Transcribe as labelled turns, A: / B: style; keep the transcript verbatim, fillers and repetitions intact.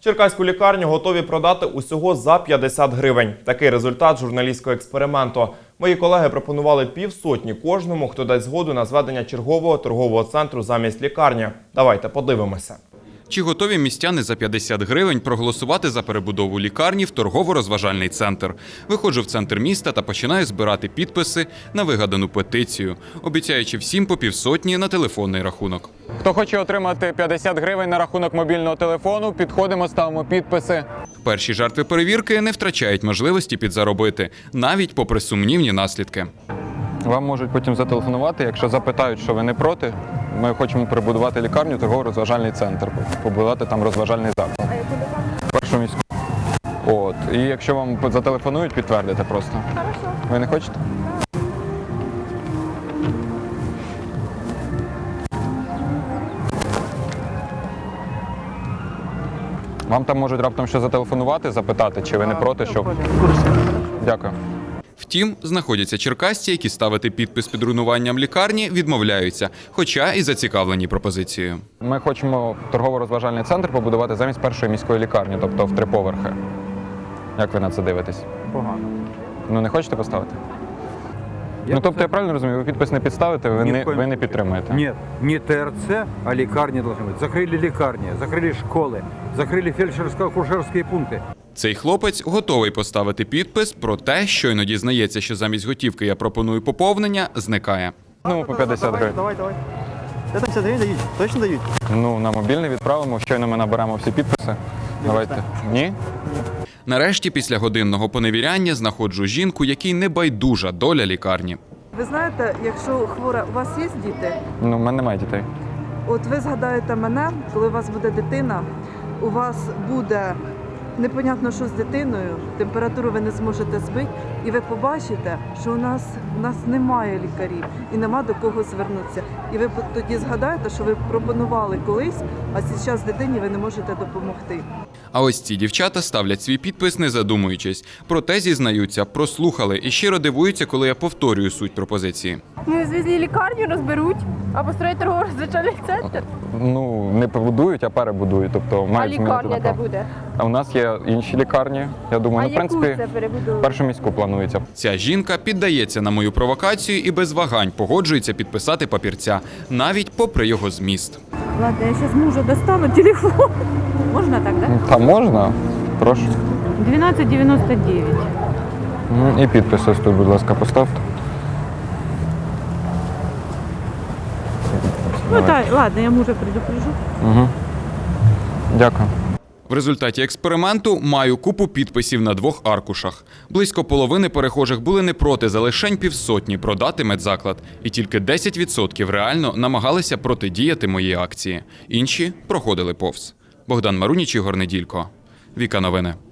A: Черкаську лікарню готові продати усього за п'ятдесят гривень. Такий результат журналістського експерименту. Мої колеги пропонували півсотні кожному, хто дасть згоду на зведення чергового торгового центру замість лікарні. Давайте подивимося.
B: Чи готові містяни за п'ятдесят гривень проголосувати за перебудову лікарні в торгово-розважальний центр? Виходжу в центр міста та починаю збирати підписи на вигадану петицію, обіцяючи всім по півсотні на телефонний рахунок.
C: Хто хоче отримати п'ятдесят гривень на рахунок мобільного телефону, підходимо, ставимо підписи.
B: Перші жертви перевірки не втрачають можливості підзаробити, навіть попри сумнівні наслідки.
C: Вам можуть потім зателефонувати, якщо запитають, що ви не проти. Ми хочемо перебудувати лікарню, торгово-розважальний центр, побудувати там розважальний заклад. Першу міську. От. І якщо вам зателефонують, підтвердите просто.
D: Хорошо.
C: Ви не хочете? Вам там можуть раптом що зателефонувати, запитати, чи ви не проти, щоб... Дякую.
B: Втім, знаходяться черкасці, які ставити підпис під руйнуванням лікарні відмовляються, хоча і зацікавлені пропозицією.
C: Ми хочемо торгово-розважальний центр побудувати замість першої міської лікарні, тобто в три поверхи. Як ви на це дивитесь?
E: Погано.
C: Ну не хочете поставити?
E: Я
C: ну тобто я правильно розумію, ви підпис не підставите, ви,
E: Ні
C: не,
E: в коем-
C: ви не підтримуєте?
E: Нет, не ТРЦ, а лекарни должны быть. Закрыли лекарни, закрыли школы, закрыли фельдшерско-акушерские пункты.
B: Цей хлопець готовий поставити підпис, проте щойно дізнається, що замість готівки я пропоную поповнення, зникає.
C: Ну, по п'ятдесят гривень.
F: Давай, давай. Це п'ятдесят гривень дають? Точно дають?
C: Ну, на мобільний відправимо, щойно ми наберемо всі підписи. Давайте. Ні?
B: Нарешті, після годинного поневіряння, знаходжу жінку, якій не байдужа доля лікарні.
G: Ви знаєте, якщо хвора, у вас є діти?
C: Ну, в мене немає дітей.
G: От ви згадаєте мене, коли у вас буде дитина, у вас буде непонятно, що з дитиною, температуру ви не зможете збити, і ви побачите, що у нас, у нас немає лікарів і нема до кого звернутися. І ви тоді згадаєте, що ви пропонували колись, а зараз дитині ви не можете допомогти.
B: А ось ці дівчата ставлять свій підпис, не задумуючись. Проте, зізнаються, прослухали і щиро дивуються, коли я повторюю суть пропозиції.
D: Ну, звізлі лікарню розберуть, а построять торгово-розважальний центр.
C: Ну, не побудують, а перебудують. Тобто,
D: А
C: мають змінити
D: лікарня де
C: направ.
D: буде?
C: А у нас є інші лікарні. Я думаю,
D: А
C: ну, в принципі,
D: яку це перебудову?
C: першу міську планується.
B: Ця жінка піддається на мою провокацію і без вагань погоджується підписати папірця, навіть попри його зміст.
D: Ладно, я зараз мужа достану телефон. Можна так, да?
C: Та можна? Прошу.
D: дванадцять дев'яносто дев'ять.
C: М, І підпис ось тут, будь ласка, поставте.
D: Ну так, ладно, я мужа предупрежу.
C: Угу. Дякую.
B: В результаті експерименту маю купу підписів на двох аркушах. Близько половини перехожих були не проти за лишень півсотні продати медзаклад. І тільки десять відсотків реально намагалися протидіяти моїй акції. Інші проходили повз. Богдан Маруніч, Ігор Неділько. Віка Новини.